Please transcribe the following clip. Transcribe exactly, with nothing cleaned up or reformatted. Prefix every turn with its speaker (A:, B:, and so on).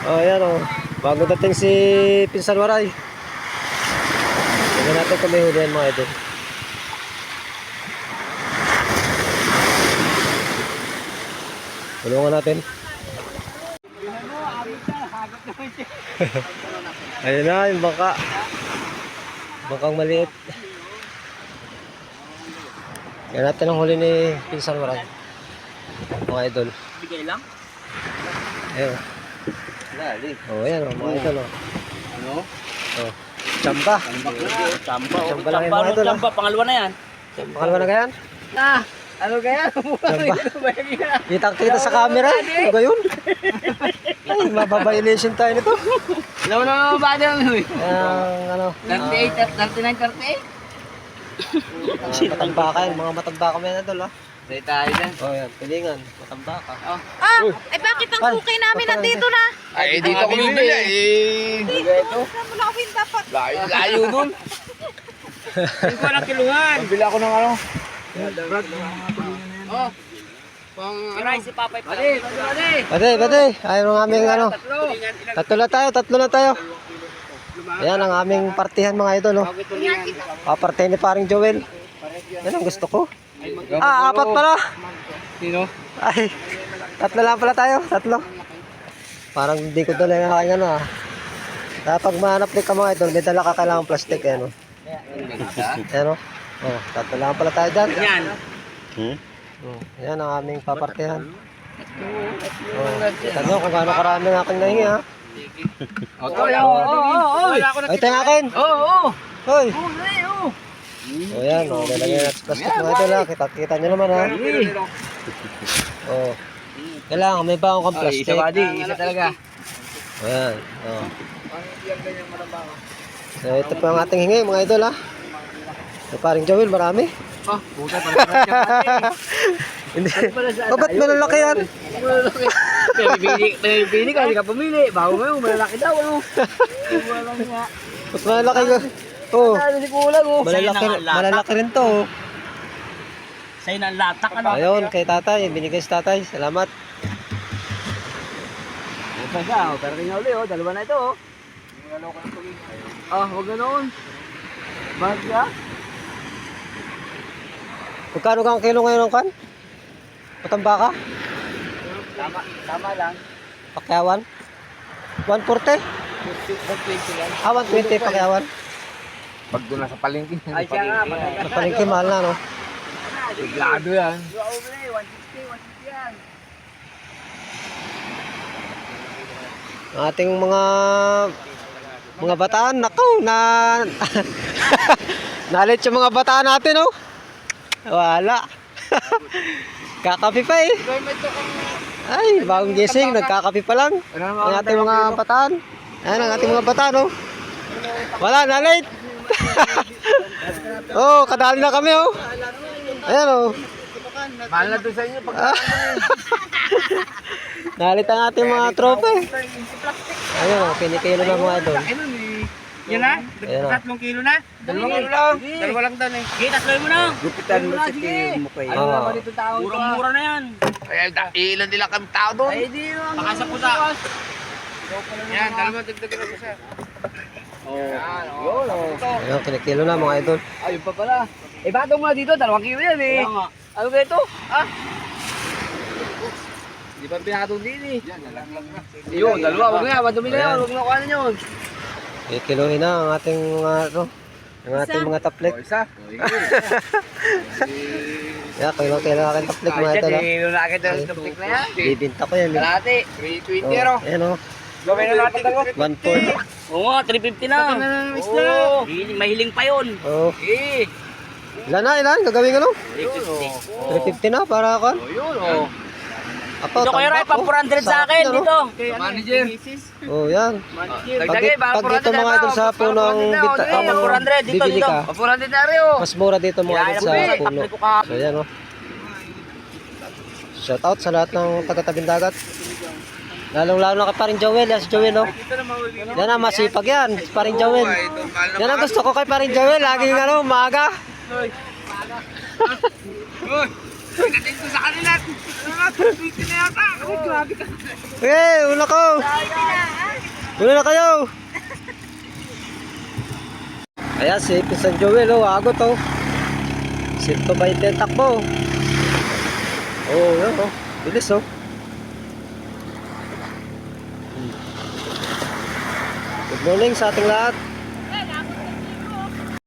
A: Oh, ayan oh. Bago dating si Pinsan Waray. Tignan natin kung may hulihan mga idol. Tulungan natin. Ayun na, yung bangka. Bangkang maliit. Yan natin ang huli ni Pinsan Waray. Mga idol.
B: Bigay lang?
A: Ayun.
B: Lali.
A: Oh, ayan oh, mga idol oh.
B: Ano?
A: Oh. Chamba.
B: Chamba. Chamba.
A: Chamba lang yung mga idol.
B: Chamba, pangalawa na yan.
A: Pangalawa na ganyan?
B: Ah! Ano kaya?
A: Chamba. Kitang-kita sa camera. Ano ba yun? Ay, mababa-violation tayo nito.
B: Alam mo naman ba dyan?
A: Ang ano?
B: thirty-eight, thirty-nine, thirty-eight?
A: Matambaka yan. Mga matambaka may na doon ah.
B: Say tayo dyan.
A: Oh, yan. Pilingan. Matambaka.
B: Oh.
C: Ah, eh bakit ang
A: Ay,
C: cookie namin nandito na?
B: Ay, dito ako bibili eh.
C: Dito, saan mo nakawin dapat?
B: Layo, layo dun. Hindi ko ng kiluhan. Bili ako ng ano. Oh. Pang ano? Si Papay pa. Pati, pati.
A: Pati, pati. Ayaw ng aming ano. Tatlo na tayo, tatlo na tayo. Ayan ang aming partihan mga idol. Oh. Papartihan ni paring Joel. Yan ang gusto ko. Ah, apat pala.
B: Sino?
A: Ay, tatlo lang pala tayo. Tatlo. Parang hindi ko dala yung aking ano ah. Kapag mahanap din ka mga idol, may dala ka kailangang plastic. Ayan o. Ayan o. Oh, tatlo lang pala tayo dyan.
B: Yan.
A: Hmm? Oh, ayan ang aming papartihan. Oh, kita nyo kung gaano karami ng aking nahingi ha.
B: Oo, oo, oo.
A: Ay, tayo akin.
B: Oo, oo.
A: Hoy.
B: Oo,
A: O yan, o, lalagyan natin sa plastic mga idol ha. Kita, kita nyo naman ha. O. Kailangan, may baong kang
B: Ay,
A: plastic.
B: isa ba di? Isa talaga.
A: O yan, o. So, ito po ang ating hingi mga idol ha. So, paring Joel, marami.
B: Oh, puta pala siya.
A: Hindi. O, ba't malalaki yan?
B: Pili, pili ka, hindi ka pumili. Bago mo yun, malalaki daw. Ano?
A: Ba't malalaki ka? Oo.
B: Ano si Kulang oh.
A: Malalaki, malalaki rin to. oh.
B: Sa'yo na ang latak ano.
A: Ayun, kay tatay. Binigay si tatay. Salamat.
B: Ito siya, oh. Pero tingnan ulit, oh. Dalawa na ito, oh. Ah, huwag ganoon. Bakit ka?
A: Magkano kang kilo ngayon ng kan? Matambaka?
B: Tama, tama lang.
A: Pakyawan? one forty?
B: one twenty lang.
A: Ah, one twenty pakyawan.
D: Pag doon na sa palengke,
B: Ay, siya nga, matagal.
A: Sa palengke, mahal na, no?
D: biglado yan.
B: one sixty, one sixty yan.
A: Ang ating mga mga bataan, nakaw, na nalit yung mga bataan natin, oh. Wala. Kakapi pa eh. Ay, bagong gising, nagkakapi pa lang. Ang ating mga bataan. Ayan ang ating mga bataan, oh. Wala, na-late. Oh, kadali na kami, oh. Ayan, oh.
D: Mahal na doon sa inyo. Pag
A: Nalit ang ating mga tropa, eh. Ayun, oh, kinikilo na mga idol.
B: Yan na?
A: Ayan, oh.
B: Tatlong kilo na? Dalawang kilo lang. Dalawa lang doon eh. Sige, tatloy mo na.
D: gupitan mo sa tiyo mo kayo.
B: Ano
A: Oo.
B: naman dito tao? Murang-mura na yan.
D: Kaya da- ilan nila kami tao doon.
B: Ay, di yung... Baka sa pusa. Yan, dalawa dagdagan na siya. Yan, oh.
A: Ayun, kinikilo na mga idol.
B: Ayun pa pala. Eh, bato mo na dito, dalawang kilo yan eh. Ano ba ito? Ah? Di ba pinatong din eh? Yun, dalawa. Huwag nga, madumi na yun. Huwag na kuhanan yun.
A: Kikiluhin na ang ating mga, ano, ang ating mga taplik.
D: Isa.
A: Yeah, kailangan kailangan aking taplik mga idol, ah.
B: Dito na agad ang tupik na yan.
A: Bibinta ko yan, eh.
B: Kalahati.
D: three
A: Oh,
D: twenty ero.
A: ayan, oh.
B: Gawin na natin dalawa.
A: one four.
B: Oo nga, three fifty na. Oo. Hiling, mahiling pa yun.
A: Oh.
B: Eh.
A: Ilan na, ilan? Gagawin ka no?
B: three fifty.
A: three fifty na para ako.
B: Yun, oh.
A: Ako,
B: Ito kayo rin,
A: tambak,
B: pang
A: oh.
B: four hundred sa
A: Sarap
B: akin
A: yan, oh.
B: dito.
D: Manager.
A: Oh, yan.
B: Dagdagay,
A: Pag- pag dito mga idol sa punong bita-
B: ah,
A: ano,
B: four hundred dito,
A: bibili
B: dito.
A: ka.
B: Pa four hundred na rin, oh.
A: Mas mura dito mga idol sa
B: Yan,
A: puno.
B: tapos ko ka.
A: So, yan, oh. Shout out sa lahat ng taga-tabing dagat. Lalong-lalo na kay paring Joel, yan si Joel, oh. Yan ang masipag yan, si paring Joel. Yan ang gusto ko kay paring Joel, laging ano, maaga.
D: Dito sa kanila. Dito na yata. Ay, grabe ka.
A: Okay, una ko. Una na kayo. Ayan, si Pisan Joel, oh, agot, oh. Sinto ba yung takbo? Oh, yan, oh. Bilis, oh. Good morning sa ating lahat.